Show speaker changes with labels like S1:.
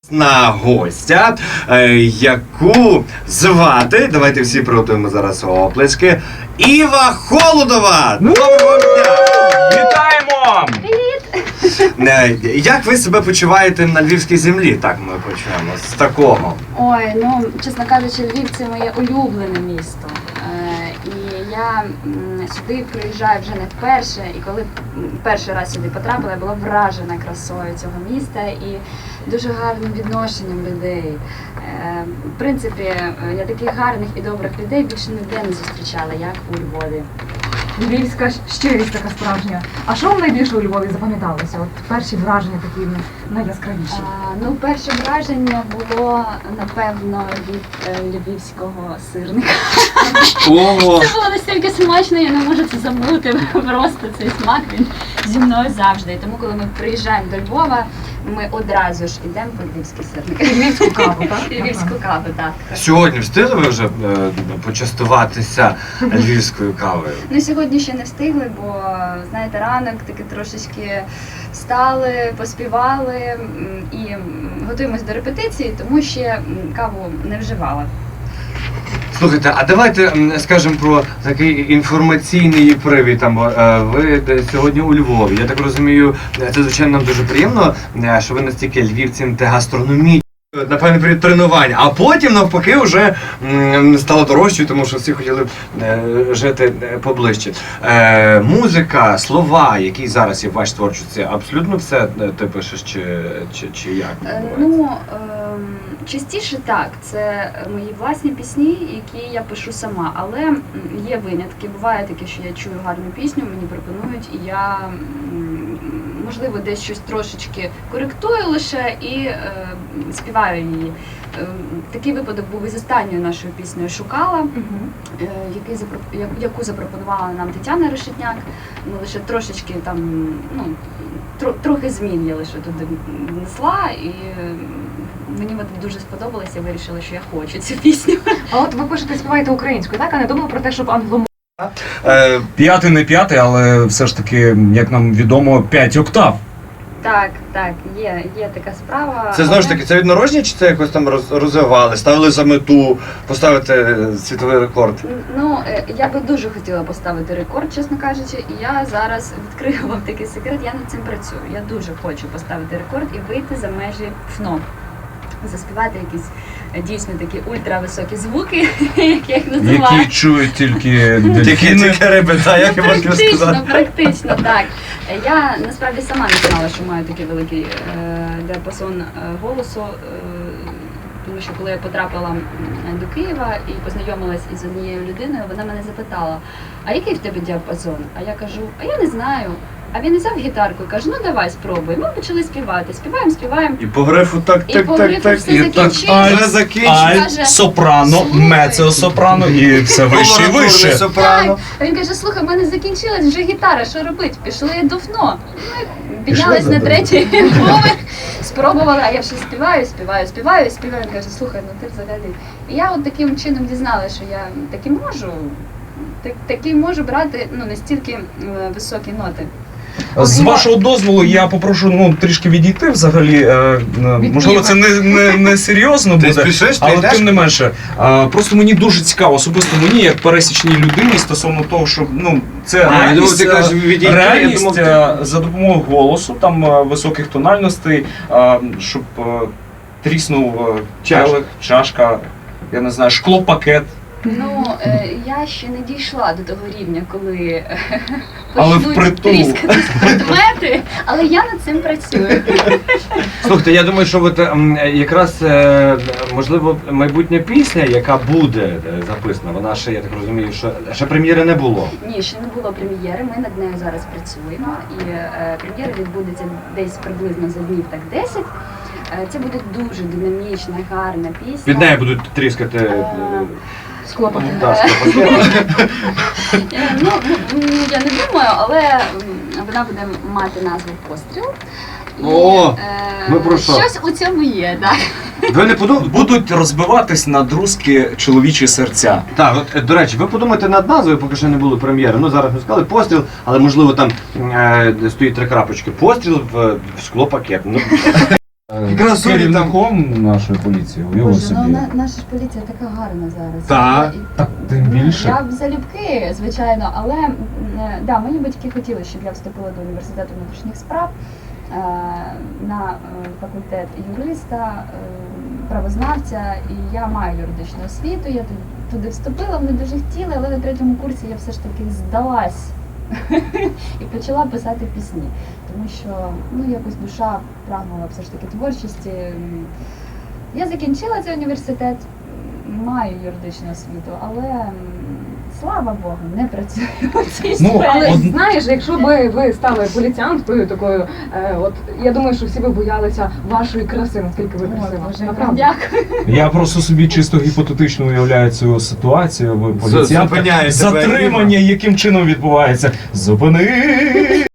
S1: На гостя, яку звати, давайте всі приготуємо зараз оплески, Іва Холодова! Доброго дня!
S2: Вітаємо!
S1: Як ви себе почуваєте на львівській землі? Так ми почнемо з такого.
S3: Ой, ну, чесно кажучи, Львів – це моє улюблене місто. І я сюди приїжджаю вже не вперше, і коли перший раз сюди потрапила, я була вражена красою цього міста і дуже гарним відношенням людей. В принципі, я таких гарних і добрих людей більше ніде не зустрічала, як у Львові.
S4: Львівська щирість така справжня. А що вам найбільше у Львові запам'яталося? От перші враження такі найяскравіші.
S3: Ну, перше враження було, напевно, від львівського сирника.
S1: Ого!
S3: Це було настільки смачно, я не можу це забути. Просто цей смак, він зі мною завжди. І тому, коли ми приїжджаємо до Львова, ми одразу ж йдемо по львівський сирник.
S4: Львівську каву, так?
S3: Львівську каву, так.
S1: Сьогодні встигли ви вже почастуватися львівською кавою?
S3: Ну, сьогодні ще не встигли, бо, знаєте, ранок таки трошечки встали, поспівали і готуємось до репетиції, тому ще каву не вживала.
S1: Слухайте, а давайте скажемо про такий інформаційний привід. Ви сьогодні у Львові. Я так розумію, це звичайно нам дуже приємно, що ви настільки львівці та гастрономічні. Напевно, перед тренувань, а потім навпаки вже стало дорожчою, тому що всі хотіли жити поближче. Музика, слова, які зараз є в вашій творчості, абсолютно все ти пишеш чи як?
S3: Ну, частіше так, це мої власні пісні, які я пишу сама, але є винятки. Буває таке, що я чую гарну пісню, мені пропонують, і я, можливо, десь щось трошечки коректую лише і співаю її. Такий випадок був із останньою нашою піснею «Шукала», яку запропонувала нам Тетяна Решетняк. Ми лише трошечки там, ну, трохи змін я лише туди внесла, і мені дуже сподобалося, я вирішила, що я хочу цю пісню.
S4: А от ви пишете, співаєте українською, так? А не думали про те, щоб англомовною?
S2: П'ятий не п'ятий, але все ж таки, як нам відомо, 5 октав.
S3: Так, є така справа.
S1: Це знову ж таки, це від народження, чи це якось там розвивали, ставили за мету поставити світовий рекорд?
S3: Ну, я би дуже хотіла поставити рекорд, чесно кажучи, і я зараз відкрию вам такий секрет, я над цим працюю. Я дуже хочу поставити рекорд і вийти за межі ФНО. Заспівати якісь дійсно такі ультрависокі звуки, як я їх називаю.
S2: Які чують тільки дельфіни.
S1: Тільки риби, так, як я можу сказати.
S3: Практично, так. Я насправді сама не знала, що маю такий великий діапазон голосу, тому що коли я потрапила до Києва і познайомилась із однією людиною, вона мене запитала, а який в тебе діапазон? А я кажу, а я не знаю. А він взяв гітарку і каже, ну давай спробуй. Ми почали співати, співаємо.
S1: І по грифу так.
S3: І по грифу все закінчилось.
S2: Альт, сопрано, мецео-сопрано і все вище і вище.
S3: Так. А він каже, слухай, в мене закінчилась вже гітара, що робити? Пішли до ФНО. Ми піднялись на третій поверх, спробували, а я вже співаю. Він каже, слухай, ну ти взагалі. І я от таким чином дізналася, що я таки можу брати настільки високі ноти.
S2: З вашого дозволу я попрошу трішки відійти взагалі. Можливо, це не серйозно буде, але тим не менше. Просто мені дуже цікаво, особисто мені, як пересічній людині, стосовно того, що це реальність за допомогою голосу, там високих тональностей, щоб тріснув келих, чашка, я не знаю, шклопакет.
S3: Ну, я ще не дійшла до того рівня, коли
S2: почнуть
S3: тріскатись предмети, але я над цим працюю.
S1: Слухайте, я думаю, що якраз, можливо, майбутня пісня, яка буде записана, вона ще, я так розумію, що ще прем'єри не було.
S3: Ні, ще не було прем'єри, ми над нею зараз працюємо, і прем'єра відбудеться десь приблизно за днів так 10. Це буде дуже динамічна, гарна пісня.
S1: Під нею будуть тріскати...
S4: Склопати.
S3: Я не думаю, але вона буде мати назву «Постріл».
S1: О, ми про що?
S3: Щось у цьому є, так.
S1: Ви не
S2: будуть розбиватись на друзки чоловічі серця.
S1: Так, от, до речі, ви подумайте над назвою, поки ще не було прем'єри. Ну, зараз ми сказали «Постріл», але, можливо, там стоїть 3 крапочки. «Постріл» в склопакет. Красуні там.
S2: керівником нашої поліції. Уяви
S3: Боже,
S2: собі.
S3: ну наша ж поліція така гарна зараз.
S1: Так.
S2: Так, тим більше.
S3: Я б залюбки, звичайно, але да, мої батьки хотіли, щоб я вступила до університету внутрішніх справ на факультет юриста, правознавця, і я маю юридичну освіту. Я туди вступила, вони дуже хотіли, але на 3-му курсі я все ж таки здалась і почала писати пісні, тому що ну якось душа прагнула все ж таки творчості. Я закінчила цей університет, маю юридичну освіту, але слава Богу, не працюю у цій сфері.
S4: Але знаєш, якщо би ви стали поліціянткою такою, от я думаю, що всі би боялися вашої краси, наскільки ви красива.
S3: Боже,
S4: Направду.
S3: дякую.
S2: Я просто собі чисто гіпотетично уявляю цю ситуацію. Ви поліціянтка,
S1: Зупиняєте
S2: затримання, яким чином відбувається. Зупини!